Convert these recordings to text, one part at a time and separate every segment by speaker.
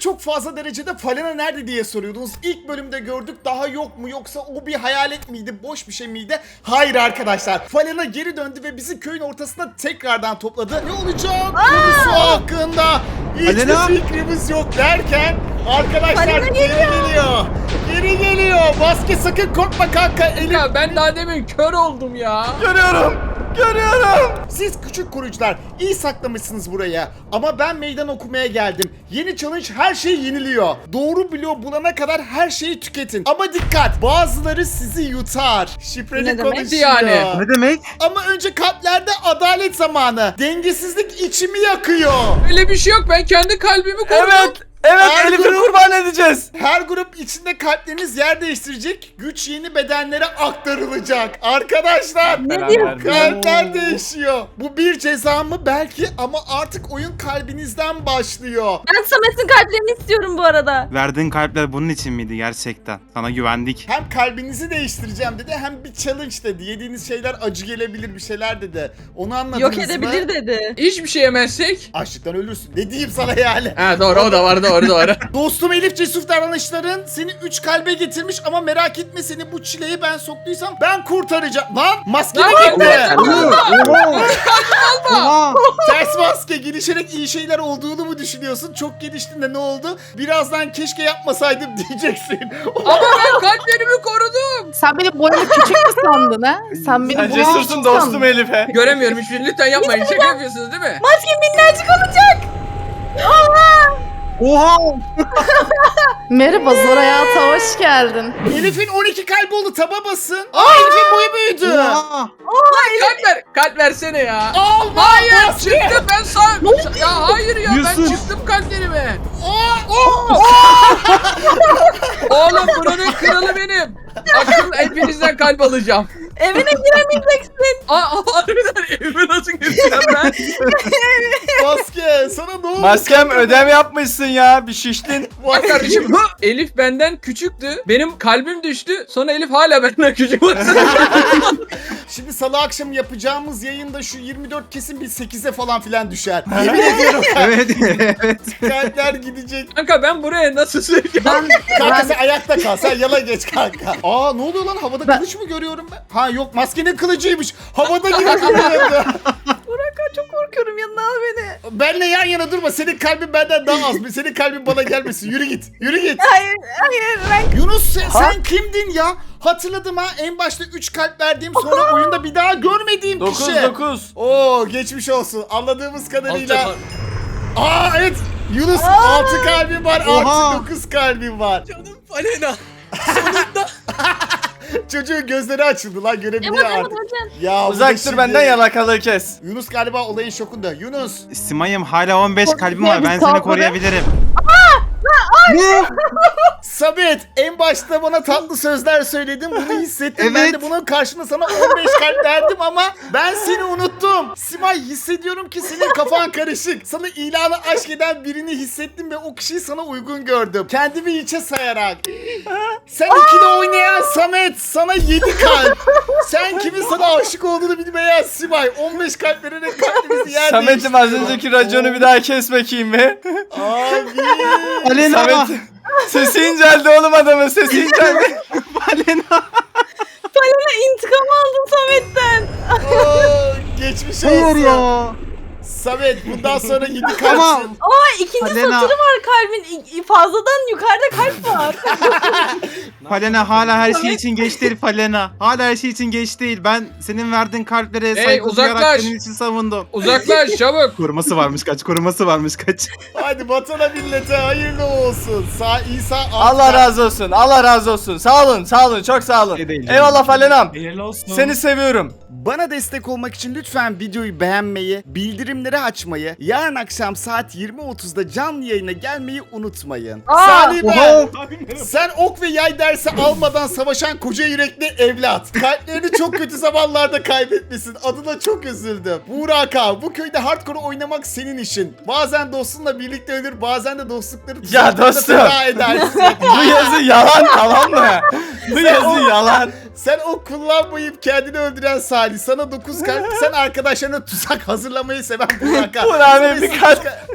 Speaker 1: çok fazla derecede Falena nerede diye soruyordunuz. İlk bölümde gördük, daha yok mu yoksa o bir hayalet miydi, boş bir şey miydi? Hayır arkadaşlar. Falena geri döndü ve bizi köyün ortasında tekrardan topladı. Ne olacak konusu hakkında hiçbir
Speaker 2: Falena!
Speaker 1: fikrimiz yok derken arkadaşlar
Speaker 3: Falena
Speaker 1: geri geliyor. Geri geliyor. Maske sakın korkma kanka. Elif.
Speaker 4: Ya ben daha demin kör oldum ya.
Speaker 2: Görüyorum.
Speaker 1: Siz küçük koruyucular iyi saklamışsınız buraya. Ama ben meydan okumaya geldim. Yeni challenge her şeyi yeniliyor. Doğru bloğu bulana kadar her şeyi tüketin. Ama dikkat, bazıları sizi yutar. Şifreli
Speaker 3: Ne demek?
Speaker 1: konuşuyor.
Speaker 4: Yani?
Speaker 2: Ne demek?
Speaker 1: Ama önce kalplerde adalet zamanı. Dengesizlik içimi yakıyor.
Speaker 4: Öyle bir şey yok. Ben kendi kalbimi korudum.
Speaker 2: Evet. Evet,
Speaker 1: Her
Speaker 2: Elif'i
Speaker 1: grup-
Speaker 2: kurban edeceğiz.
Speaker 1: Her grup içinde kalpleriniz yer değiştirecek. Güç yeni bedenlere aktarılacak. Arkadaşlar.
Speaker 3: Ne diyor?
Speaker 1: Kalpler değişiyor. Bu bir ceza mı belki ama artık oyun kalbinizden başlıyor.
Speaker 3: Ben Samet'in kalplerini istiyorum bu arada.
Speaker 2: Verdiğin kalpler bunun için miydi gerçekten? Sana güvendik.
Speaker 1: Hem kalbinizi değiştireceğim dedi hem bir challenge dedi. Yediğiniz şeyler acı gelebilir bir şeyler dedi. Onu anladınız
Speaker 3: Yok
Speaker 1: mı?
Speaker 3: edebilir dedi.
Speaker 4: Hiçbir şey yemezsek.
Speaker 1: Açlıktan ölürsün. Ne diyeyim sana yani?
Speaker 4: Ha doğru, o da var, doğru.
Speaker 1: Dostum Elif, cesur davranışların seni 3 kalbe getirmiş ama merak etme, seni bu çileye ben soktuysam ben kurtaracağım. Lan maskeni
Speaker 4: Lan,
Speaker 1: gitti.
Speaker 2: Oha.
Speaker 1: Ters maske, gelişerek iyi şeyler olduğunu mu düşünüyorsun? Çok geliştin de ne oldu? Birazdan keşke yapmasaydım diyeceksin.
Speaker 4: Ama ben kalplerimi korudum.
Speaker 5: Sen benim boyumu küçük mü sandın ha? Sen benim
Speaker 2: Sen
Speaker 5: boyumu
Speaker 2: cesursun
Speaker 5: küçük
Speaker 2: dostum
Speaker 5: sandın.
Speaker 2: Elif'e.
Speaker 4: Göremiyorum hiçbir şey. Lütfen yapmayın. Şaka yapıyorsunuz değil mi?
Speaker 3: Maskem minnacık olacak.
Speaker 2: Oha.
Speaker 5: Merhaba Zor Hayat'a hoş geldin.
Speaker 1: Elif'in 12 kalbi oldu, taba basın. Aa, Elif'in boyu büyüdü.
Speaker 2: Oha.
Speaker 4: Kalp versene ya.
Speaker 1: Al
Speaker 4: Hayır,
Speaker 1: maske.
Speaker 4: çıktım ben ya hayır ya, ben
Speaker 2: Yusuf.
Speaker 4: çıktım kalplerime.
Speaker 1: Aa,
Speaker 4: Oğlum buranın kralı benim. Akıl hepinizden kalp alacağım.
Speaker 3: Evine giremeyeceksin.
Speaker 4: Harbiden evime nasıl gireceğim ben?
Speaker 1: maske sana ne oldu?
Speaker 2: Maskem ödem yapmışsın ya. Bir şiştin.
Speaker 4: Bak kardeşim, Elif benden küçüktü. Benim kalbim düştü. Sonra Elif hala benden küçük.
Speaker 1: Şimdi salı akşamı yapacağımız yayında şu 24 kesin bir 8'e falan filan düşer. Yemin ediyorum.
Speaker 2: Evet. Evet.
Speaker 1: Kalpler gidecek.
Speaker 4: Kanka ben buraya nasıl sığacağım?
Speaker 1: Kanka sen ayakta kal. Sen yana geç kanka. Aa, ne oluyor lan? Havada kılıç mı görüyorum ben? Ha yok, maskenin kılıcıymış. Havada gibi duruyordu.
Speaker 3: Burak, çok korkuyorum, yanına al beni.
Speaker 1: Benle yan yana durma. Senin kalbin benden daha az. Senin kalbin bana gelmesin. Yürü git. Yürü git.
Speaker 3: Hayır ben
Speaker 1: Yunus sen kimdin ya? Hatırladım ha. En başta 3 kalp verdiğim, sonra oyunda bir daha görmediğim
Speaker 2: 9
Speaker 1: kişi.
Speaker 2: 9.
Speaker 1: Oo, geçmiş olsun. Anladığımız kadarıyla.
Speaker 4: Alacak.
Speaker 1: Aa evet. Yunus 6 kalbin var.
Speaker 2: Oha.
Speaker 1: Artı 9 kalbin var.
Speaker 4: Canım Falena. Sonunda.
Speaker 1: Çocuğun gözleri açıldı lan, görebiliyor
Speaker 3: Yapamadım
Speaker 1: artık.
Speaker 3: hocam.
Speaker 1: Ya bu da
Speaker 2: Uzak dur
Speaker 1: şimdi-
Speaker 2: benden, yalakalığı kes.
Speaker 1: Yunus galiba olayın şokunda. Yunus.
Speaker 2: Simay'ım hala 15 kalbim var. Ben seni
Speaker 5: Kalbim.
Speaker 2: koruyabilirim.
Speaker 1: Samet, en başta bana tatlı sözler söyledin, bunu hissettim. Ben
Speaker 2: Evet.
Speaker 1: de bunun karşılığında sana 15 kalp verdim ama ben seni unuttum. Simay, hissediyorum ki senin kafan karışık. Sana ilanı aşk eden birini hissettim ve o kişiyi sana uygun gördüm. Kendimi hiçe sayarak. Sen ikili oynayan Samet, sana 7 kalp. Sen kimin sana aşık olduğunu bilmeyen Simay, 15 kalp vererek kalbimizi yer
Speaker 2: Samet'im az önceki raconu bir daha kes bakayım be.
Speaker 1: Abi.
Speaker 2: Alena. Samet. Sesi inceldi oğlum adamın, sesi inceldi. Alena.
Speaker 3: İntikam aldım Samet'ten.
Speaker 1: Oo, geçmiş olsun.
Speaker 2: Hayır ya.
Speaker 1: Samet, bundan sonra 7 kalpsin.
Speaker 2: Tamam.
Speaker 3: İkinci
Speaker 2: Falena.
Speaker 3: satırı var kalbin. Fazladan yukarıda kalp var.
Speaker 2: Falena hala her şey için geç değil Falena. Hala her şey için geç değil. Ben senin verdiğin kalplere saygı duyarak
Speaker 4: uzaklaş.
Speaker 2: senin için savundum.
Speaker 4: Uzaklaş çabuk.
Speaker 2: Koruması varmış kaç, koruması varmış kaç.
Speaker 1: Hadi vatana millete hayırlı olsun. İsa
Speaker 2: Allah razı olsun, Allah razı olsun. Sağ olun, sağ olun, çok sağ olun.
Speaker 6: Ne değil,
Speaker 2: Eyvallah Falenam.
Speaker 6: Hayırlı olsun.
Speaker 2: Seni seviyorum.
Speaker 1: Bana destek olmak için lütfen videoyu beğenmeyi, bildirimleri açmayı, yarın akşam saat 20.30'da canlı yayına gelmeyi unutmayın. Salih ben, sen ok ve yay dersi almadan savaşan koca yürekli evlat. Kalplerini çok kötü zamanlarda kaybetmişsin. Adına çok üzüldüm. Burak abi, bu köyde hardcore oynamak senin işin. Bazen dostunla birlikte ölür, bazen de dostlukları tuzaklarda
Speaker 2: dostum.
Speaker 1: feda edersin.
Speaker 2: Bu yazı yalan, tamam mı? Bu yazı yalan.
Speaker 1: Sen o kullanmayıp kendini öldüren Salih, sana 9 kalp, sen arkadaşlarına tuzak hazırlamayı seven Burak abi.
Speaker 2: Burak abi
Speaker 1: Sana
Speaker 2: bir kalp.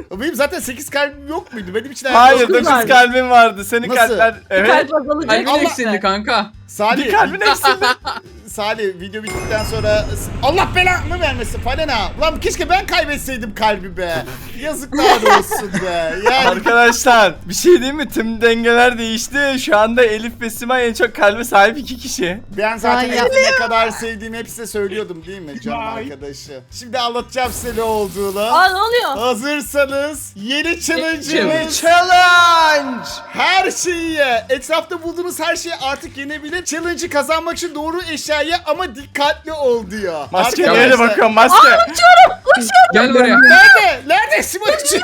Speaker 1: Benim zaten 8 kalbim yok muydu? Benim için
Speaker 6: Hayır
Speaker 3: dokuz
Speaker 6: 9
Speaker 3: vardı.
Speaker 6: kalbin vardı. Senin
Speaker 1: Nasıl?
Speaker 6: kalpler evet.
Speaker 3: Kalp azalacak.
Speaker 4: Kalbin
Speaker 1: Allah-
Speaker 4: eksildi kanka.
Speaker 1: Salih,
Speaker 6: Bir kalbin eksildi.
Speaker 1: Salih video bittikten sonra Allah belanı vermesin Falena. Lan keşke ben kaybetseydim kalbi be. Yazıklar olsun be. Yani
Speaker 6: Arkadaşlar bir şey diyeyim mi? Tüm dengeler değişti. Şu anda Elif ve Simay en çok kalbe sahip 2 kişi.
Speaker 1: ben zaten
Speaker 5: Ay,
Speaker 1: Elif'i ne kadar sevdiğimi hep size söylüyordum değil mi canım arkadaşı? Şimdi anlatacağım size ne olduğunu.
Speaker 3: Aa ne oluyor?
Speaker 1: Hazırsanız yeni challenge'ımız
Speaker 6: Challenge!
Speaker 1: her şeyi ye. Etrafta bulduğunuz her şeyi artık yenebilir. Challenge'ı kazanmak için doğru eşyayı ama dikkatli ol diyor.
Speaker 6: Maske
Speaker 1: Arkadaşlar-
Speaker 6: nereye bakıyorum maske?
Speaker 4: Gel buraya.
Speaker 1: Nerede? Nerede Simon uçuyor?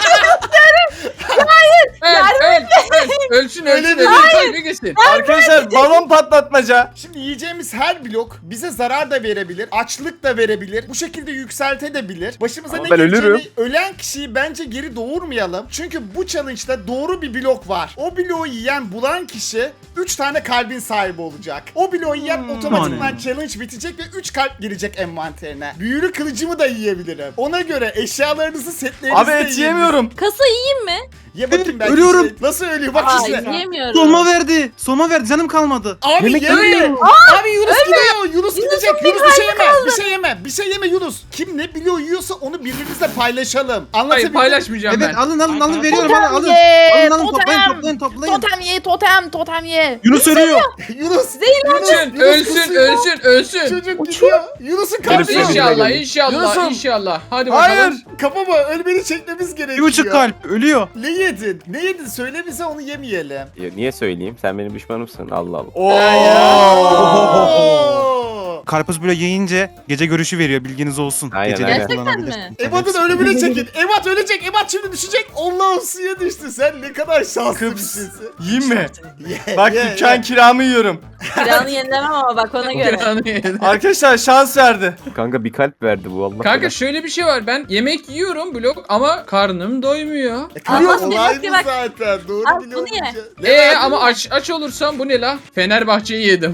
Speaker 4: Ölsün
Speaker 1: Öyle
Speaker 4: ölsün.
Speaker 1: mi?
Speaker 4: Kalbe gitsin.
Speaker 6: Arkadaşlar balon patlatmaca.
Speaker 1: Şimdi yiyeceğimiz her blok bize zarar da verebilir, açlık da verebilir, bu şekilde yükseltebilir. Başımıza
Speaker 6: Ama
Speaker 1: ne
Speaker 6: ben
Speaker 1: geleceğini,
Speaker 6: ölürüm.
Speaker 1: ölen kişiyi bence geri doğurmayalım. Çünkü bu challenge'da doğru bir blok var. O bloğu yiyen, bulan kişi 3 tane kalbin sahibi olacak. O bloğu yiyen otomatikman challenge bitecek ve 3 kalp girecek envanterine. Büyülü kılıcımı da yiyebilirim. Ona göre eşyalarınızı, setlerinizi
Speaker 6: Abi
Speaker 1: de
Speaker 6: et
Speaker 1: yiyebilirsiniz.
Speaker 6: yemiyorum.
Speaker 3: Kasa yiyeyim mi?
Speaker 1: Ye bakayım belki
Speaker 2: Ölüyorum.
Speaker 1: şey- Nasıl ölüyor bak
Speaker 3: Aa
Speaker 1: işte.
Speaker 3: yiyemiyorum.
Speaker 2: Soma verdi. Soma verdi. Canım kalmadı.
Speaker 1: Abi
Speaker 2: Yemek
Speaker 1: yeme.
Speaker 2: yemiyorum.
Speaker 1: Abi Yunus gidiyor. Yunus gidecek. Yunus bir şey yeme. Bir şey yeme. Bir şey yeme Yunus. Kim ne biliyor yiyorsa onu birbirimizle paylaşalım.
Speaker 4: Hayır
Speaker 1: Anlatabildim.
Speaker 4: paylaşmayacağım
Speaker 2: Evet
Speaker 4: ben.
Speaker 2: alın veriyorum alın.
Speaker 5: Totem ye.
Speaker 2: Alın toplayın
Speaker 5: Totem.
Speaker 2: toplayın.
Speaker 5: Totem ye. Totem ye.
Speaker 2: Yunus ölüyor.
Speaker 1: Yunus.
Speaker 4: Ölsün
Speaker 1: Yunus
Speaker 4: ölsün ölsün.
Speaker 1: Çocuk gidiyor. Yunus'un kalbi.
Speaker 6: Yunus-
Speaker 4: İnşallah inşallah
Speaker 6: Yunus'um.
Speaker 4: inşallah. Hadi
Speaker 6: Hayır.
Speaker 4: bakalım.
Speaker 1: Kafama ölmeni çekmemiz gerekiyor.
Speaker 2: 1,5 kalp ölüyor.
Speaker 1: Ne yedin? Ne yedin? Söyle bize onu yemeyelim.
Speaker 7: Ya niye söyleyeyim? Sen benim düşmanımsın. Allah Allah.
Speaker 1: Oo.
Speaker 2: Karpuz böyle yiyince gece görüşü veriyor bilginiz olsun.
Speaker 7: Aynen,
Speaker 2: Geceleri
Speaker 7: aynen.
Speaker 3: Gerçekten
Speaker 2: kullanabilir.
Speaker 3: mi?
Speaker 1: Ebat'ın ölümüne çekin. Ebat ölecek. Ebat şimdi düşecek. Allah'ım suya düştü. Sen ne kadar şanslı bir
Speaker 6: Kıps.
Speaker 1: şeysin.
Speaker 6: Yiyeyim mi?
Speaker 1: Ye,
Speaker 6: Bak
Speaker 1: ye,
Speaker 6: dükkan
Speaker 1: ye.
Speaker 6: kiramı yiyorum.
Speaker 3: Kiranı yenilemem ama bak ona göre.
Speaker 6: Arkadaşlar şans verdi.
Speaker 7: Kanka bir kalp verdi bu Allah.
Speaker 4: Kanka
Speaker 7: belanı.
Speaker 4: şöyle bir şey var. Ben yemek yiyorum blok ama karnım doymuyor.
Speaker 1: Kırıyor
Speaker 3: Ama
Speaker 1: olay
Speaker 3: bak,
Speaker 1: bu
Speaker 3: bak.
Speaker 1: zaten. Doğru
Speaker 3: Al,
Speaker 1: biliyorum.
Speaker 3: bunu ye.
Speaker 4: Ama aç olursam bu ne la? Fenerbahçe'yi yedim.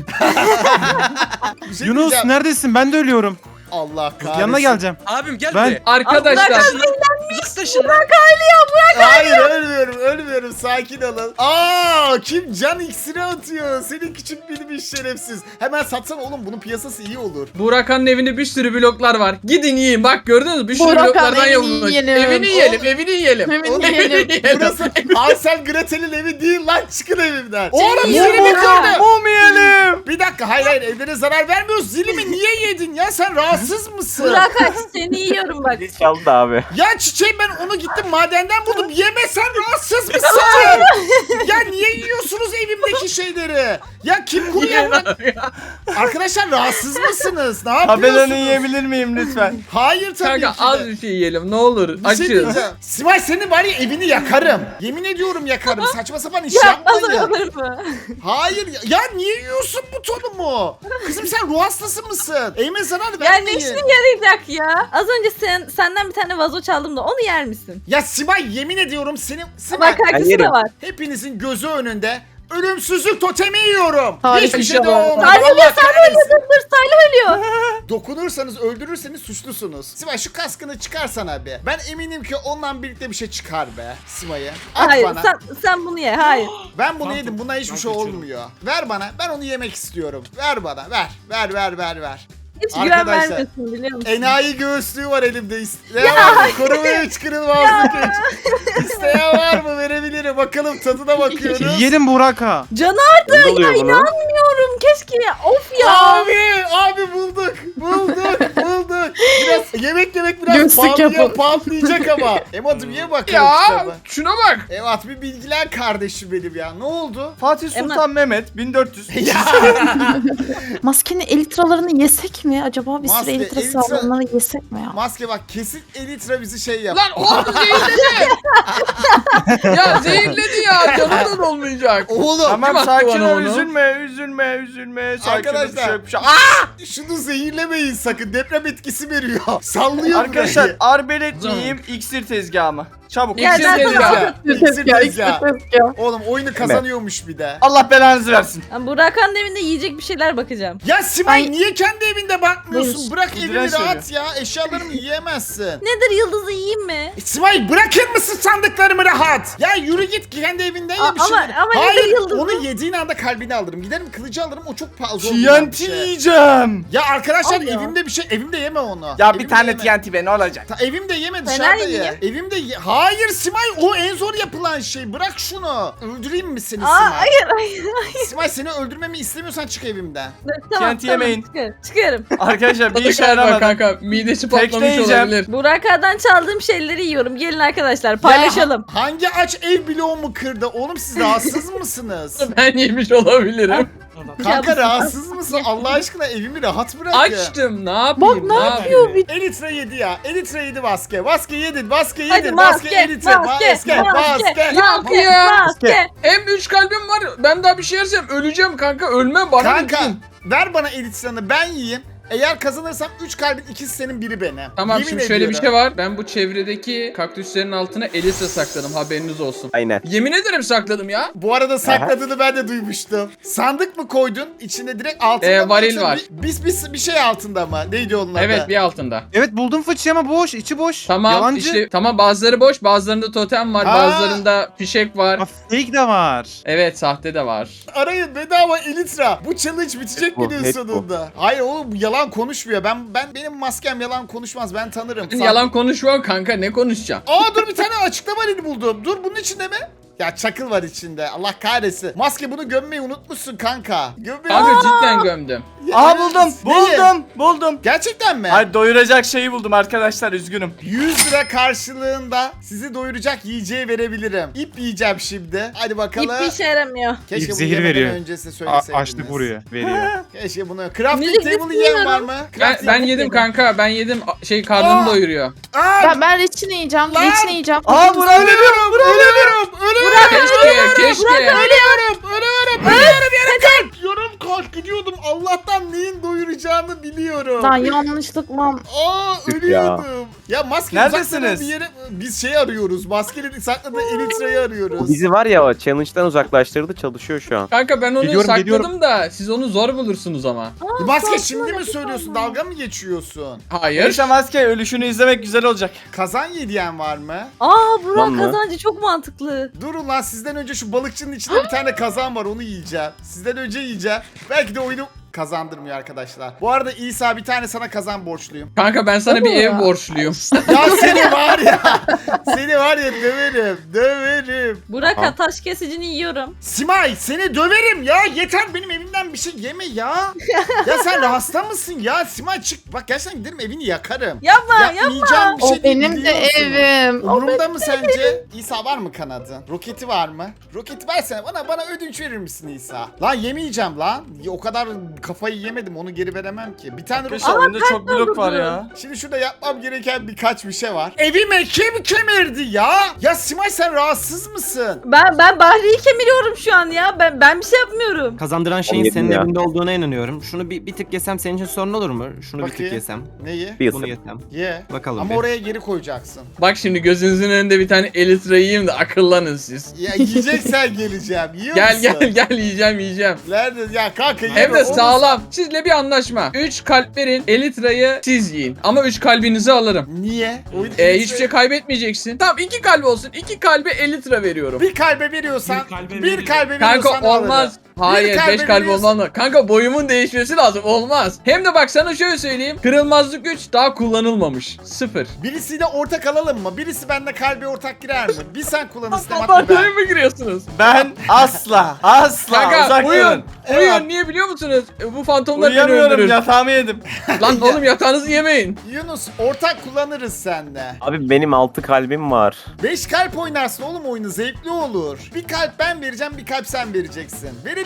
Speaker 1: Bir şey
Speaker 2: Yunus
Speaker 1: diyeceğim.
Speaker 2: neredesin? Ben de ölüyorum.
Speaker 1: Allah kahretsin.
Speaker 2: Yanına geleceğim.
Speaker 8: Abim gel
Speaker 2: Ben-
Speaker 8: buraya.
Speaker 4: Arkadaşlar
Speaker 8: Uzaklaşın.
Speaker 1: Hayır ölmüyorum sakin olun. Kim can iksiri atıyor? Senin küçük bilmiş şerefsiz. Hemen satsana oğlum bunun piyasası iyi olur.
Speaker 4: Burakhan'ın evinde bir sürü bloklar var. Gidin yiyin. Bak gördünüz mü? Bir sürü
Speaker 5: Burakhan,
Speaker 4: bloklardan
Speaker 5: evini
Speaker 4: yapılmış.
Speaker 5: yiyelim.
Speaker 4: Evini yiyelim.
Speaker 1: Oğlum, Burası Hansel Gretel'in evi değil lan çıkın evimden. Oğlum
Speaker 3: yiyin
Speaker 1: zilimi
Speaker 3: ya.
Speaker 1: kırdı.
Speaker 6: Mum yiyelim.
Speaker 1: Bir dakika hayır evlere zarar vermiyoruz. Zilimi niye yedin ya sen rahatsız mısın?
Speaker 3: Burak aç seni yiyorum bak.
Speaker 7: Dil çaldı abi.
Speaker 1: Ya çiçeğim ben onu gittim madenden buldum. Yeme sen rahatsız mısın? Ya niye yiyorsunuz evimdeki şeyleri? Ya kim kuruyor lan? Arkadaşlar rahatsız mısınız? Ne
Speaker 6: Tabelanı
Speaker 1: yapıyorsunuz?
Speaker 6: yiyebilir miyim lütfen?
Speaker 1: Hayır tabii
Speaker 4: Kanka
Speaker 1: ki
Speaker 4: az
Speaker 1: de.
Speaker 4: bir şey yiyelim ne olur.
Speaker 1: Bir şey
Speaker 4: Açız.
Speaker 1: diyeceğim. Sivay senin bari evini yakarım. Yemin ediyorum yakarım. Saçma sapan iş
Speaker 3: Yapmaz
Speaker 1: yapmayın.
Speaker 3: olur mu?
Speaker 1: Hayır ya niye yiyorsun butonumu? Kızım sen ruh hastası mısın? Eğme zarar
Speaker 3: Ya ne
Speaker 1: vermeyin.
Speaker 3: işine yarayacak ya? Az önce senden bir tane vazo çaldım da onu yer misin?
Speaker 1: Ya Sivay yemin ediyorum senin... Sivay
Speaker 3: Bak arkası
Speaker 7: yerim.
Speaker 3: da var.
Speaker 1: hepinizin gözü önünde ölümsüzlük totemi yiyorum.
Speaker 5: Harika
Speaker 1: Hiçbir
Speaker 4: bir
Speaker 1: şey
Speaker 4: şey
Speaker 1: de
Speaker 4: var.
Speaker 1: olmadı.
Speaker 3: Salih
Speaker 1: Allah
Speaker 3: ölüyor, Salih
Speaker 1: kahretsin.
Speaker 3: Dur Salih ölüyor.
Speaker 1: Dokunursanız öldürürseniz suçlusunuz. Sivay şu kaskını çıkarsana be. Ben eminim ki onunla birlikte bir şey çıkar be Sivay'a. At
Speaker 3: Hayır
Speaker 1: bana.
Speaker 3: sen bunu ye hayır.
Speaker 1: Ben bunu yedim. Buna hiçbir şey olmuyor. Ver bana. Ben onu yemek istiyorum. Ver bana. Ver.
Speaker 3: Hiç güven
Speaker 1: Arkadaşlar,
Speaker 3: vermiyorsun biliyor musun?
Speaker 1: Enayi göğüslüğü var elimde. İsteyen var mı? Koruma 3 kırılmazlık 3. İsteyen var mı? Verebilirim. Bakalım tadına bakıyoruz.
Speaker 2: Yiyelim Burak'a.
Speaker 3: Canı
Speaker 7: Ne oluyor bunu?
Speaker 3: inanmıyorum keşke ya. Of ya.
Speaker 1: Abi bulduk. Biraz yemek biraz
Speaker 5: Göğüslük yapalım.
Speaker 1: pahalayacak ama. Emat'ım ye bakalım
Speaker 4: Ya
Speaker 1: kitabı.
Speaker 4: şuna bak.
Speaker 1: Emat bir bilgiler kardeşim benim ya. Ne oldu?
Speaker 6: Fatih Sultan Mehmet 1400.
Speaker 5: Maskenin elitralarını yesek mi? Acaba bir
Speaker 1: Maske,
Speaker 5: sürü elitra
Speaker 1: elitra-
Speaker 5: sağlamları yesek mi ya?
Speaker 1: Maske bak kesin Elitra bizi şey yap.
Speaker 4: Lan oğlum zehirledi. Ya zehirledi ya. Canından olmayacak.
Speaker 1: Oğlum
Speaker 6: Tamam
Speaker 4: Kim attı
Speaker 6: sakin
Speaker 4: bana
Speaker 6: ol
Speaker 4: onu?
Speaker 6: üzülme. Sakin ol,
Speaker 1: Arkadaşlar.
Speaker 6: bir şey yok.
Speaker 1: şunu zehirlemeyin sakın. Deprem etkisi veriyor. Sallıyor
Speaker 6: Arkadaşlar
Speaker 1: burayı.
Speaker 6: arbelet miyim iksir tezgahı mı? Çabuk.
Speaker 3: Ya
Speaker 4: İksir
Speaker 3: ben
Speaker 4: dedi
Speaker 3: sana
Speaker 4: ya.
Speaker 1: İksir ya.
Speaker 5: tezgah.
Speaker 1: Oğlum oyunu kazanıyormuş bir de.
Speaker 6: Allah belanızı versin.
Speaker 3: Ben Burak'ın evinde yiyecek bir şeyler bakacağım.
Speaker 1: Ya Simay
Speaker 5: Ay.
Speaker 1: niye kendi evinde bakmıyorsun?
Speaker 5: Buyur.
Speaker 1: Bırak
Speaker 6: İğrenç
Speaker 1: evimi
Speaker 6: söylüyor.
Speaker 1: rahat ya. Eşyalarımı yiyemezsin.
Speaker 3: Nedir yıldızı yiyeyim mi?
Speaker 1: Simay bırakır mısın sandıklarımı rahat? Ya yürü git kendi evinden ye bir
Speaker 3: Ama-
Speaker 1: şeyler.
Speaker 3: ama nedir
Speaker 1: Hayır
Speaker 3: yıldızı?
Speaker 1: onu yediğin anda kalbini alırım. Giderim kılıcı alırım o çok fazla olmayan bir
Speaker 6: TNT
Speaker 1: şey.
Speaker 6: yiyeceğim.
Speaker 1: Ya arkadaşlar
Speaker 3: Al ya.
Speaker 1: evimde bir şey evimde yeme onu.
Speaker 6: Ya
Speaker 1: Evimde
Speaker 6: bir tane
Speaker 1: yeme.
Speaker 6: TNT be ne olacak?
Speaker 1: Evimde yeme
Speaker 3: Fener
Speaker 1: dışarıda ye.
Speaker 3: yiyeyim.
Speaker 1: Evimde Hayır Simay o en zor yapılan şey. Bırak şunu. Öldüreyim mi seni
Speaker 3: Aa,
Speaker 1: Simay?
Speaker 3: hayır.
Speaker 1: Simay seni öldürmemi istemiyorsan çık evimden.
Speaker 3: Tamam,
Speaker 6: TNT yemeyin.
Speaker 3: Çıkarım.
Speaker 6: Arkadaşlar bir
Speaker 4: Tadı
Speaker 6: işe
Speaker 4: galiba
Speaker 6: yaramadı.
Speaker 4: kanka. Midesi patlamış
Speaker 6: Tekleyeceğim.
Speaker 4: olabilir.
Speaker 3: Burak'dan çaldığım şeyleri yiyorum. Gelin arkadaşlar paylaşalım.
Speaker 1: Ya, hangi aç ev bloğumu kırdı? Oğlum siz rahatsız mısınız?
Speaker 4: Ben yemiş olabilirim.
Speaker 1: Kanka
Speaker 3: Ya bu-
Speaker 1: rahatsız mısın? Allah aşkına evimi rahat bırak ya.
Speaker 4: Açtım. Ne yapayım?
Speaker 5: Bak ne yapıyor bir
Speaker 1: Elitra yedi ya. Elitra yedi Vaske. Vaske yedin. Vaske
Speaker 3: Hadi
Speaker 1: yedin.
Speaker 3: maske,
Speaker 1: Elitra.
Speaker 3: maske,
Speaker 1: Vaske. Vaske.
Speaker 4: Yok ya.
Speaker 3: Maske.
Speaker 4: Hem 3 kalbim var. Ben daha bir şey yersem öleceğim kanka. Ölmem bana.
Speaker 1: Kanka
Speaker 4: lütfen.
Speaker 1: ver bana Elitra'nı ben yiyeyim. Eğer kazanırsam 3 kalbin ikisi senin biri benim.
Speaker 4: Tamam
Speaker 1: Yemin
Speaker 4: şimdi şöyle bir
Speaker 1: ediyorum.
Speaker 4: şey var. Ben bu çevredeki kaktüslerin altına Elitra sakladım. Haberiniz olsun.
Speaker 7: Aynen.
Speaker 4: Yemin ederim sakladım ya.
Speaker 1: Bu arada sakladığını ben de duymuştum. Sandık mı koydun? İçinde direkt altında mı?
Speaker 4: Varil
Speaker 1: yoksa
Speaker 4: var.
Speaker 1: Bir şey altında mı? Neydi onun adı?
Speaker 4: Evet bir altında.
Speaker 2: Evet buldum fıçıyı ama boş, içi boş.
Speaker 4: Tamam
Speaker 2: Yalancı.
Speaker 4: işte tamam bazıları boş, bazılarında totem var,
Speaker 1: Ha.
Speaker 4: bazılarında fişek var.
Speaker 2: Aa, fake de var.
Speaker 4: Evet sahte de var.
Speaker 1: Arayın bedava Elitra. Bu challenge bitecek
Speaker 7: Bu,
Speaker 1: günün
Speaker 7: net bu.
Speaker 1: sonunda. Hayır oğlum bu yalan konuşmuyor. Benim maskem yalan konuşmaz. Ben tanırım.
Speaker 4: Ben yalan konuşmam kanka ne konuşacağım?
Speaker 1: Aa dur bir tane açıklama halini buldum. Dur bunun içinde mi? Ya çakıl var içinde. Allah kahretsin. Maske bunu gömmeyi unutmuşsun kanka. Gömmeyi
Speaker 4: Kanka cidden gömdüm.
Speaker 6: Aha buldum.
Speaker 1: Neyi?
Speaker 6: Buldum.
Speaker 1: Gerçekten mi?
Speaker 6: Hayır doyuracak şeyi buldum arkadaşlar üzgünüm.
Speaker 1: 100 lira karşılığında sizi doyuracak yiyeceği verebilirim. İp yiyeceğim şimdi. Hadi bakalım.
Speaker 3: Hiçbir işe yaramıyor.
Speaker 1: Keşke
Speaker 2: İp
Speaker 1: bunu
Speaker 2: zehir
Speaker 1: yemeden
Speaker 2: veriyor.
Speaker 1: önce size söyleseydiniz.
Speaker 2: Açlık vuruyor, veriyor.
Speaker 1: Keşke bunu. Crafting
Speaker 3: Müzik
Speaker 1: table yiyen var mı?
Speaker 4: Ben
Speaker 1: Crafting
Speaker 4: yedim kanka ben yedim karnımı doyuruyor.
Speaker 1: Aa,
Speaker 5: Ben reçine yiyeceğim.
Speaker 1: Lan!
Speaker 5: Reçine yiyeceğim.
Speaker 6: Aa Burak
Speaker 1: ölüyorum.
Speaker 4: Keşke.
Speaker 1: Ölüyorum yarım kalp. Yarım kalp gidiyordum. Allah'tan neyin doyuracağını biliyorum.
Speaker 5: Lan yanlışlıkla.
Speaker 1: Aa
Speaker 7: Tüh
Speaker 1: ölüyordum. Ya maske
Speaker 6: Neredesiniz?
Speaker 1: uzakladığı bir yere biz şey arıyoruz. Maskeleri sakladığı Elitra'yı
Speaker 7: O
Speaker 1: arıyoruz.
Speaker 7: bizi var ya o challenge'dan uzaklaştırdı çalışıyor şu an.
Speaker 4: Kanka ben onu
Speaker 2: Geliyorum,
Speaker 4: sakladım
Speaker 2: geliyorum.
Speaker 4: da siz onu zor bulursunuz ama.
Speaker 1: Maske şimdi mi söylüyorsun? Dalga mı geçiyorsun?
Speaker 4: Hayır.
Speaker 6: Neyse maske ölüşünü izlemek güzel olacak.
Speaker 1: Kazan yediyen var mı?
Speaker 3: Aa Burak
Speaker 7: Lan mı?
Speaker 3: kazancı çok mantıklı.
Speaker 1: Durun lan sizden önce şu balıkçının içinde bir tane kazan var onu yiyeceğim. Sizden önce yiyeceğim. Belki de oyunu kazandırmıyor arkadaşlar. Bu arada İsa bir tane sana kazan borçluyum.
Speaker 4: Kanka ben sana bir ev borçluyum.
Speaker 1: Ya seni var ya. Seni var ya döverim. Döverim.
Speaker 3: Burak
Speaker 7: Ha.
Speaker 3: taş kesicini yiyorum.
Speaker 1: Simay seni döverim ya. Yeter benim evimden bir şey yeme ya. Ya sen hasta mısın ya? Simay çık. Bak gerçekten giderim evini yakarım.
Speaker 3: Yapma
Speaker 1: Yapmayacağım bir
Speaker 5: O
Speaker 1: şey değil,
Speaker 5: benim de
Speaker 1: biliyorsun.
Speaker 5: evim. O
Speaker 1: Umurumda mı sence? İsa var mı kanadın? Roketi var mı? Roketi versene bana ödünç verir misin İsa? Lan yemeyeceğim lan. O kadar kafayı yemedim onu geri veremem ki. Bir tane roket.
Speaker 6: Arkadaşlar oyunda çok blok var ya.
Speaker 1: Şimdi şurada yapmam gereken birkaç bir şey var. Evime kim kemirdi ya? Ya Simay sen rahatsız mısın?
Speaker 3: Ben Bahri'yi kemiriyorum şu an ya. Ben bir şey yapmıyorum.
Speaker 8: Kazandıran şeyin
Speaker 7: yedim
Speaker 8: senin
Speaker 7: ya.
Speaker 8: evinde olduğuna inanıyorum. Şunu bir tık yesem senin için sorun olur mu? Şunu bir tık
Speaker 1: Bakayım.
Speaker 8: yesem.
Speaker 1: Neyi?
Speaker 7: Bir
Speaker 8: Bunu
Speaker 7: ısır.
Speaker 8: yesem.
Speaker 1: Ye.
Speaker 8: Bakalım
Speaker 1: Ama
Speaker 8: bir.
Speaker 1: oraya geri koyacaksın.
Speaker 4: Bak şimdi gözünüzün önünde bir tane Elytra yiyeyim de akıllanın siz.
Speaker 1: Ya yiyeceksen geleceğim. Yiyor
Speaker 4: Gel
Speaker 1: musun?
Speaker 4: gel yiyeceğim.
Speaker 1: Nerede? Ya kanka
Speaker 4: Hem
Speaker 1: yeme,
Speaker 4: de
Speaker 1: onu-
Speaker 4: sağlam. Sizle bir anlaşma. 3 kalp verin. Elytra'yı siz yiyin. Ama 3 kalbinizi alırım.
Speaker 1: Niye? Oyun
Speaker 4: Hiçbir şey kaybetmeyeceksin. Tamam 2 kalp olsun. 2 kalbe Elytra veriyorum.
Speaker 1: Bir kalbe veriyorsan, bir kalbe veriyorsan
Speaker 4: Kanka olmaz.
Speaker 1: alırım.
Speaker 4: Hayır
Speaker 1: kalbe
Speaker 4: 5 kalp
Speaker 1: veriyorsun.
Speaker 4: olmaz. Kanka boyumun değişmesi lazım. Olmaz. Hem de bak sana şöyle söyleyeyim. Kırılmazlık 3 daha kullanılmamış. 0.
Speaker 1: Birisiyle ortak alalım mı? Birisi bende kalbe ortak girer mi? Bir sen kullanırsın Demat bir
Speaker 4: Abartıya
Speaker 1: ben.
Speaker 4: mı giriyorsunuz?
Speaker 6: Ben asla
Speaker 4: Kanka
Speaker 6: uzak
Speaker 4: uyuyun.
Speaker 6: durun.
Speaker 4: Uyuyun niye biliyor musunuz? Bu fantomlar beni
Speaker 6: Uyuyamıyorum
Speaker 4: öldürür.
Speaker 6: yatağımı yedim.
Speaker 4: Lan oğlum yatağınızı yemeyin.
Speaker 1: Yunus ortak kullanırız seninle.
Speaker 7: Abi benim 6 kalbim var.
Speaker 1: 5 kalp oynarsın oğlum oyunu zevkli olur. Bir kalp ben vereceğim bir kalp sen vereceksin. Verelim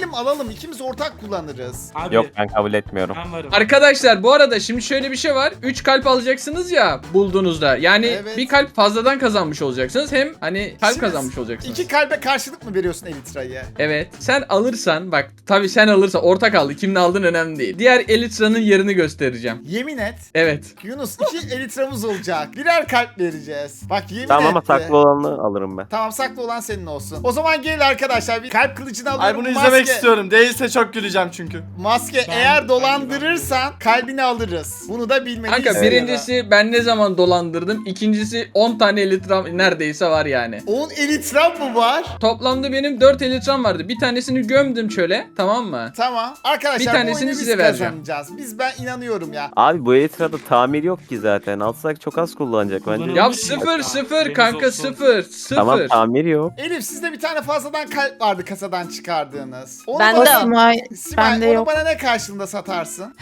Speaker 1: verelim alalım. İkimiz ortak kullanırız.
Speaker 9: Abi,
Speaker 7: Yok ben kabul etmiyorum.
Speaker 9: Ben varım.
Speaker 4: Arkadaşlar bu arada şimdi şöyle bir şey var. 3 kalp alacaksınız ya bulduğunuzda. Yani
Speaker 1: Evet.
Speaker 4: bir kalp fazladan kazanmış olacaksınız. Hem hani kalp
Speaker 1: Şimdi
Speaker 4: kazanmış olacaksınız.
Speaker 1: 2 kalbe karşılık mı veriyorsun Elytra'yı?
Speaker 4: Evet. Sen alırsan bak tabii sen alırsan ortak aldı. Kimin aldığın önemli değil. Diğer Elytra'nın yerini göstereceğim.
Speaker 1: Yemin et.
Speaker 4: Evet.
Speaker 1: Yunus 2 Elytra'mız olacak. Birer kalp vereceğiz. Bak yemin
Speaker 7: Tamam ama
Speaker 1: etti.
Speaker 7: saklı olanı alırım ben.
Speaker 1: Tamam saklı olan senin olsun. O zaman gelin arkadaşlar bir kalp kılıcını
Speaker 6: Ay
Speaker 1: alıyorum.
Speaker 6: bunu izlemek istiyorum. Değilse çok güleceğim çünkü.
Speaker 1: Maske
Speaker 9: Ben-
Speaker 1: eğer
Speaker 9: ben
Speaker 1: dolandırırsan kalbini alırız. Bunu da bilmeliyiz.
Speaker 4: Kanka birincisi ben ne zaman dolandırdım. İkincisi 10 tane Elytram neredeyse var yani.
Speaker 1: 10 Elytram mı var?
Speaker 4: Toplamda benim 4 Elytram vardı. Bir tanesini gömdüm çöle. Tamam mı?
Speaker 1: Tamam. Arkadaşlar
Speaker 4: Bir
Speaker 1: bu
Speaker 4: tanesini
Speaker 1: oyunu biz
Speaker 4: size vereceğim.
Speaker 1: kazanacağız. Ben inanıyorum ya.
Speaker 7: Abi bu Elytra'da tamir yok ki zaten. Alsak çok az kullanacak bence.
Speaker 9: Kullanılmış
Speaker 4: Ya
Speaker 9: yok.
Speaker 4: sıfır sıfır
Speaker 9: Haberiniz
Speaker 4: kanka
Speaker 9: olsun.
Speaker 4: sıfır sıfır.
Speaker 7: Tamam tamir yok.
Speaker 1: Elif sizde bir tane fazladan kalp vardı kasadan çıkardığınız. Onu
Speaker 3: Bende
Speaker 1: bana,
Speaker 3: o.
Speaker 5: Simay
Speaker 1: Simay,
Speaker 5: bende
Speaker 1: onu
Speaker 5: yok.
Speaker 1: bana ne karşılığında satarsın?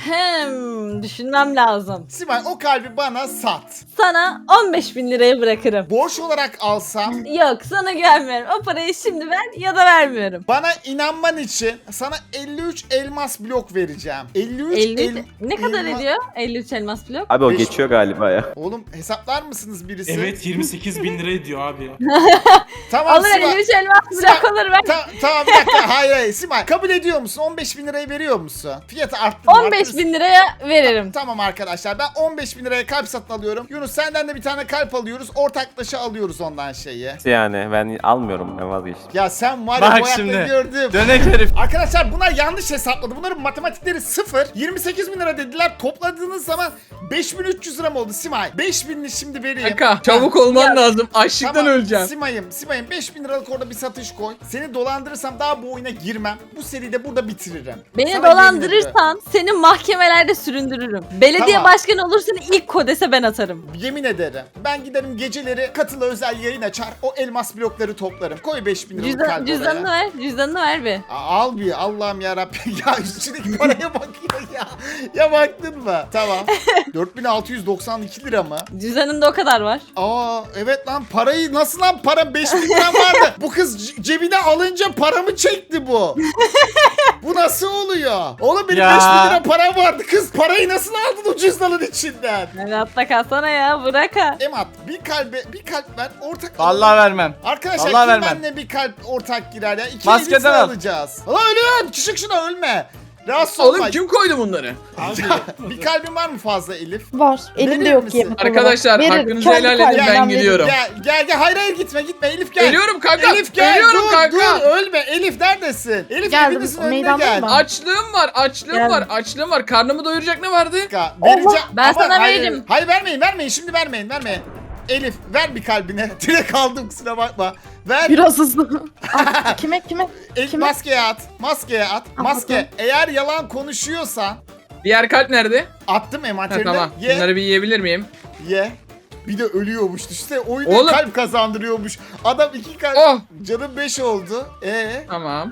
Speaker 3: Düşünmem lazım.
Speaker 1: Simay o kalbi bana sat.
Speaker 3: Sana 15.000 liraya bırakırım.
Speaker 1: Borç olarak alsam
Speaker 3: Yok sana güvenmiyorum. O parayı şimdi ver ya da vermiyorum.
Speaker 1: bana inanman için sana 53 elmas blok vereceğim. 53
Speaker 3: 50 ne kadar
Speaker 1: elma-
Speaker 3: ediyor? 53 elmas blok.
Speaker 7: Abi o
Speaker 1: Beş-
Speaker 7: geçiyor galiba ya.
Speaker 1: Oğlum hesaplar mısınız birisi?
Speaker 9: Evet 28 bin lira ediyor abi.
Speaker 1: Tamam
Speaker 3: Alır
Speaker 1: Simay.
Speaker 3: 53 elmas blok alır ver.
Speaker 1: Tamam bir dakika hayır Simay kabul ediyor musun? 15.000 lirayı veriyor musun? Fiyatı arttırma.
Speaker 3: 15.000 liraya veririm.
Speaker 1: Tamam arkadaşlar ben 15.000 liraya kalp satın alıyorum. Yunus senden de bir tane kalp alıyoruz. Ortaklaşa alıyoruz ondan şeyi.
Speaker 7: Yani ben almıyorum, ben vazgeçtim.
Speaker 1: Ya sen var ya
Speaker 6: Bak
Speaker 1: bu ayakları
Speaker 6: şimdi.
Speaker 1: gördüm.
Speaker 6: Dönek herif.
Speaker 1: Arkadaşlar bunlar yanlış hesapladı. Bunların matematikleri 0. 28.000 lira dediler. Topladığınız zaman 5.300 lira mı oldu Simay? 5.000'li şimdi vereyim.
Speaker 4: Kanka çabuk olman lazım. Açlıktan öleceğim.
Speaker 1: Simay'ım 5.000 liralık orada bir satış koy. Seni dolandırırsam daha bu oyuna girmem. Bu seride burada bitiririm.
Speaker 3: Beni
Speaker 1: Sana yemin ediyorum.
Speaker 3: dolandırırsan seni mahkemelerde süründürürüm. Belediye
Speaker 1: Tamam.
Speaker 3: başkanı olursan ilk kodese ben atarım.
Speaker 1: Yemin ederim. Ben giderim geceleri katılı özel yayın açar. O elmas blokları toplarım. Koy 5.000 liralık kalp
Speaker 3: Cüzdanını
Speaker 1: oraya.
Speaker 3: ver. Cüzdanını ver bir.
Speaker 1: Al bir Allah'ım yarabbim ya üstündeki paraya bakıyor ya. Ya baktın mı? Tamam. 4.692 lira mı?
Speaker 3: Cüzdanında o kadar var.
Speaker 1: Aa evet lan parayı nasıl lan para 5.000 lira vardı. Bu kız cebine alınca paramı çekti bu. Bu nasıl oluyor? Oğlum benim
Speaker 6: Ya.
Speaker 1: 5.000 lira param vardı. Kız parayı nasıl aldın o cüzdanın içinden?
Speaker 3: Hadi atla kalsana ya bırak ha.
Speaker 1: Emat bir kalp ver ortak
Speaker 6: Vallahi
Speaker 1: alalım.
Speaker 6: vermem.
Speaker 1: Arkadaşlar
Speaker 6: Vallahi
Speaker 1: kim
Speaker 6: vermem.
Speaker 1: benimle bir kalp ortak girer ya? İki
Speaker 6: Maskeden
Speaker 1: elbise
Speaker 6: al.
Speaker 1: alacağız. Lan ölüyorum. Küçük şuna ölme. Rahatsız olma.
Speaker 4: Oğlum kim koydu bunları?
Speaker 9: Abi.
Speaker 1: Bir kalbin var mı fazla Elif?
Speaker 5: Var.
Speaker 1: Verir
Speaker 5: Elimde yok
Speaker 1: misin?
Speaker 5: yemek olarak.
Speaker 4: Arkadaşlar,
Speaker 5: Veririm.
Speaker 4: hakkınızı
Speaker 5: Kendi
Speaker 4: helal edin, ben
Speaker 5: kalbimden
Speaker 4: gidiyorum.
Speaker 1: Gel hayır gitme Elif gel.
Speaker 4: Geliyorum kanka.
Speaker 1: Elif gel
Speaker 4: Geliyorum
Speaker 1: dur
Speaker 4: kanka.
Speaker 1: dur ölme Elif neredesin? Elif
Speaker 5: Geldim,
Speaker 1: evinizin önüne
Speaker 5: meydandayım
Speaker 1: gel.
Speaker 5: ben.
Speaker 4: Açlığım var,
Speaker 5: Geldim.
Speaker 4: açlığım var. Karnımı doyuracak ne vardı?
Speaker 1: Dakika, vereceğim.
Speaker 3: Ben
Speaker 1: Ama
Speaker 3: sana
Speaker 1: hayır,
Speaker 3: veririm.
Speaker 1: Hayır vermeyin şimdi vermeyin. Elif ver bir kalbine. Direkt aldım kusura bakma. Ver.
Speaker 5: Biraz hızlı. Ah, kime?
Speaker 1: El,
Speaker 5: kime?
Speaker 1: maskeye at. Maske.
Speaker 5: Attım.
Speaker 1: Eğer yalan konuşuyorsan
Speaker 4: Diğer kalp nerede?
Speaker 1: attım
Speaker 4: Ha,
Speaker 1: envanterine.
Speaker 4: tamam.
Speaker 1: Ye.
Speaker 4: Bunları bir yiyebilir miyim?
Speaker 1: Ye. Bir de ölüyormuş. İşte oyunda
Speaker 4: Oğlum.
Speaker 1: kalp kazandırıyormuş. Adam 2 kalp.
Speaker 4: Oh.
Speaker 1: Canım 5 oldu.
Speaker 4: Tamam.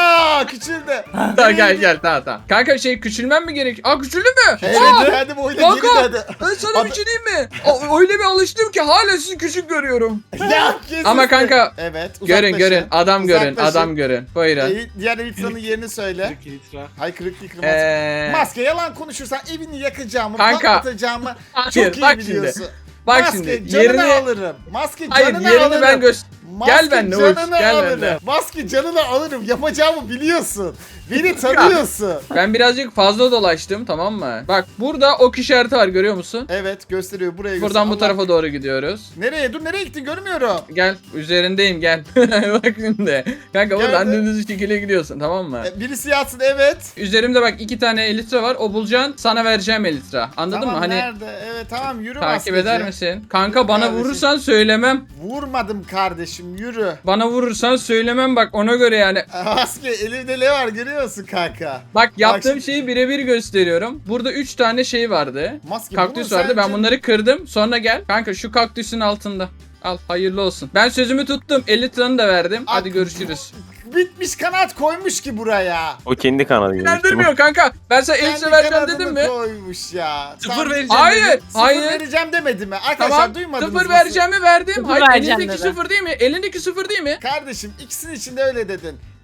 Speaker 1: Küçüldü.
Speaker 4: Tamam gel tamam. Kanka küçülmem mi gerek? Aa küçüldü mü?
Speaker 1: Evet
Speaker 4: Aa,
Speaker 1: kendim oyuna
Speaker 4: Kanka
Speaker 1: geri dedi.
Speaker 4: ben sana bir şey diyeyim mi? Öyle bir alıştım ki hala sizi küçük görüyorum.
Speaker 1: Ya kesin.
Speaker 4: Ama kanka
Speaker 1: Evet
Speaker 4: görün adam görün
Speaker 1: Uzaklaşın.
Speaker 4: Buyurun.
Speaker 1: Diğer Elitra'nın yerini söyle.
Speaker 9: 40 litre.
Speaker 1: Hay kırık değil kırmaz. Maske yalan konuşursan evini yakacağımı,
Speaker 4: Kanka.
Speaker 1: patlatacağımı
Speaker 4: Hayır,
Speaker 1: çok iyi
Speaker 4: bak
Speaker 1: biliyorsun.
Speaker 4: Bak
Speaker 1: Maske
Speaker 4: şimdi
Speaker 1: canını
Speaker 4: yerini
Speaker 1: alırım. Maske
Speaker 4: hayır
Speaker 1: canını
Speaker 4: yerini
Speaker 1: alırım.
Speaker 4: ben
Speaker 1: Maske
Speaker 4: Gel benimle Uğur,
Speaker 1: canını
Speaker 4: gel
Speaker 1: alırım.
Speaker 4: benimle.
Speaker 1: Maske canını alırım. Yapacağımı biliyorsun. Beni tanıyorsun.
Speaker 4: Ben birazcık fazla dolaştım tamam mı? Bak burada ok işareti var görüyor musun?
Speaker 1: Evet gösteriyor buraya göster.
Speaker 4: Buradan bu
Speaker 1: Allah-
Speaker 4: tarafa doğru gidiyoruz.
Speaker 1: Nereye? Dur nereye gittin görmüyorum.
Speaker 4: Gel üzerindeyim gel. Bak şimdi. Kanka
Speaker 1: Gel
Speaker 4: buradan
Speaker 1: be.
Speaker 4: dümdüz şekilde gidiyorsun tamam mı?
Speaker 1: Birisi yatsın evet.
Speaker 4: Üzerimde bak 2 tane elitre var. O bulacaksın sana vereceğim elitre. Anladın
Speaker 1: Tamam
Speaker 4: mı? Hani
Speaker 1: nerede? Evet tamam yürü
Speaker 4: takip
Speaker 1: maskeci.
Speaker 4: eder misin? Kanka bana
Speaker 1: Kardeşim.
Speaker 4: vurursan söylemem.
Speaker 1: Vurmadım kardeşim yürü.
Speaker 4: Bana vurursan söylemem bak ona göre yani.
Speaker 1: Maske elimde ne var görüyor musun kanka?
Speaker 4: Bak yaptığım
Speaker 1: şimdi-
Speaker 4: şeyi birebir gösteriyorum. Burada 3 tane şey vardı.
Speaker 1: Maske
Speaker 4: Kaktüs
Speaker 1: bunu
Speaker 4: vardı. Ben
Speaker 1: sence-
Speaker 4: bunları kırdım. Sonra gel. Kanka şu kaktüsün altında. Al hayırlı olsun. Ben sözümü tuttum. 50 liranı da verdim. Hadi
Speaker 1: At-
Speaker 4: görüşürüz.
Speaker 1: Bitmiş kanat koymuş ki buraya.
Speaker 7: O kendi kanalı.
Speaker 4: İnandırmıyor kanka. Ben sana 50
Speaker 1: Kendi
Speaker 4: lira vereceğim
Speaker 1: kanadını
Speaker 4: dedim mi?
Speaker 1: koymuş ya.
Speaker 9: Sıfır
Speaker 1: Tam-
Speaker 9: vereceğim
Speaker 4: Hayır.
Speaker 9: dedim.
Speaker 1: Sıfır
Speaker 4: Hayır.
Speaker 1: vereceğim demedi mi? Arkadaşlar
Speaker 4: Tamam.
Speaker 1: duymadınız
Speaker 4: Sıfır
Speaker 1: mı?
Speaker 4: vereceğimi verdim.
Speaker 3: Sıfır
Speaker 4: Hayır
Speaker 3: vereceğim
Speaker 4: elindeki
Speaker 3: dedi.
Speaker 4: sıfır değil mi? Elindeki sıfır değil mi?
Speaker 1: Kardeşim ikisinin içinde öyle dedin.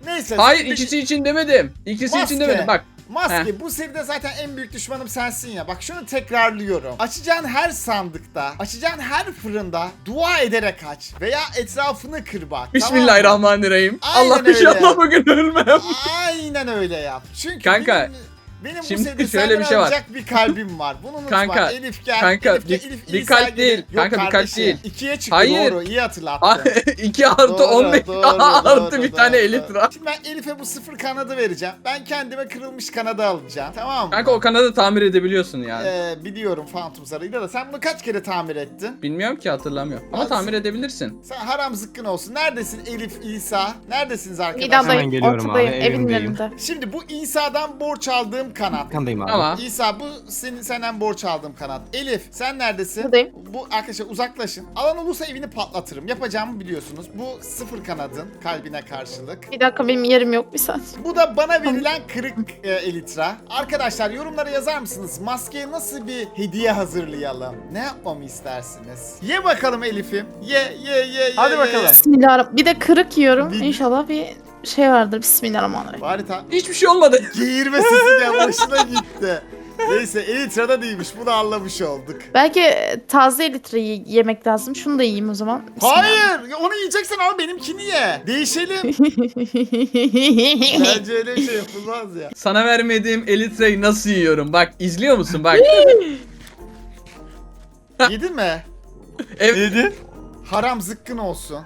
Speaker 1: Neyse.
Speaker 4: Hayır
Speaker 1: şimdi-
Speaker 4: ikisi için demedim. İkisi için
Speaker 1: Maske.
Speaker 4: demedim bak.
Speaker 1: Maske bu seride zaten en büyük düşmanım sensin ya. Bak şunu tekrarlıyorum. Açacağın her sandıkta, açacağın her fırında dua ederek aç. Veya etrafını kır bak.
Speaker 4: Bismillahirrahmanirrahim.
Speaker 1: Aynen
Speaker 4: Allah
Speaker 1: öyle.
Speaker 4: inşallah bugün ölmem.
Speaker 1: Tamam mı? Aynen öyle yap. Çünkü
Speaker 4: Kanka,
Speaker 1: benim bu
Speaker 4: şimdi
Speaker 1: seride
Speaker 4: şöyle
Speaker 1: senden
Speaker 4: bir şey var.
Speaker 1: alacak bir kalbim var. Bunu unutma.
Speaker 4: Kanka,
Speaker 1: Elif gel.
Speaker 4: kanka,
Speaker 1: Elif gel.
Speaker 4: bir-
Speaker 1: Elif
Speaker 4: bir
Speaker 1: İsa
Speaker 4: kalp
Speaker 1: gelir.
Speaker 4: değil.
Speaker 1: Yok
Speaker 4: Kanka, bir kalp
Speaker 1: kardeşim,
Speaker 4: değil.
Speaker 1: 2'ye çıktı
Speaker 4: Hayır.
Speaker 1: doğru. İyi hatırlattın.
Speaker 4: 2 artı
Speaker 1: Doğru,
Speaker 4: 15
Speaker 1: doğru,
Speaker 4: artı
Speaker 1: doğru,
Speaker 4: bir tane
Speaker 1: doğru.
Speaker 4: elitra.
Speaker 1: Şimdi ben Elif'e bu 0 kanadı vereceğim. Ben kendime kırılmış kanadı alacağım. Tamam mı?
Speaker 4: Kanka o kanadı tamir edebiliyorsun yani.
Speaker 1: Biliyorum Phantom Sarı'yla da sen bunu kaç kere tamir ettin?
Speaker 4: Bilmiyorum ki hatırlamıyorum. Ama
Speaker 1: Ben-
Speaker 4: tamir edebilirsin.
Speaker 1: Sen haram zıkkın olsun. Neredesin Elif, İsa? Neredesiniz arkadaşlar?
Speaker 8: Hemen
Speaker 5: Mida'dayım,
Speaker 8: geliyorum
Speaker 5: ortadayım,
Speaker 8: abi,
Speaker 5: evin
Speaker 8: evimdeyim.
Speaker 5: önünde.
Speaker 1: Şimdi bu İsa'dan borç aldığım kanat.
Speaker 8: Kandayım abi.
Speaker 4: Ama
Speaker 1: İsa bu senden borç aldığım kanat. Elif sen neredesin?
Speaker 5: Buradayım.
Speaker 1: Bu arkadaşlar uzaklaşın. Alan olursa evini patlatırım. Yapacağımı biliyorsunuz. Bu 0 kanadın kalbine karşılık.
Speaker 5: Bir dakika benim yerim yok bir saniye.
Speaker 1: Bu da bana verilen kırık elitra. Arkadaşlar yorumlara yazar mısınız? Maskeye nasıl bir hediye hazırlayalım? Ne yapmamı istersiniz? Ye bakalım Elif'im. Ye.
Speaker 6: Hadi bakalım.
Speaker 5: Bismillahirrahmanirrahim. Bir de kırık yiyorum.
Speaker 1: Bir-
Speaker 5: İnşallah bir şey vardır. Bismillahirrahmanirrahim.
Speaker 1: Bari
Speaker 4: hiçbir şey olmadı.
Speaker 1: geğirme sesi de hoşuna gitti. Neyse elitrada değilmiş. Bunu anlamış olduk.
Speaker 5: Belki taze elitreyi yemek lazım. Şunu da yiyeyim o zaman.
Speaker 1: Hayır! Onu yiyeceksen ama benimkini ye. Değişelim. Bence öyle bir şey yapılmaz ya.
Speaker 4: Sana vermediğim elitreyi nasıl yiyorum? Bak izliyor musun bak.
Speaker 1: Yedin mi?
Speaker 4: Ev,
Speaker 6: Neydi?
Speaker 1: Haram zıkkın olsun.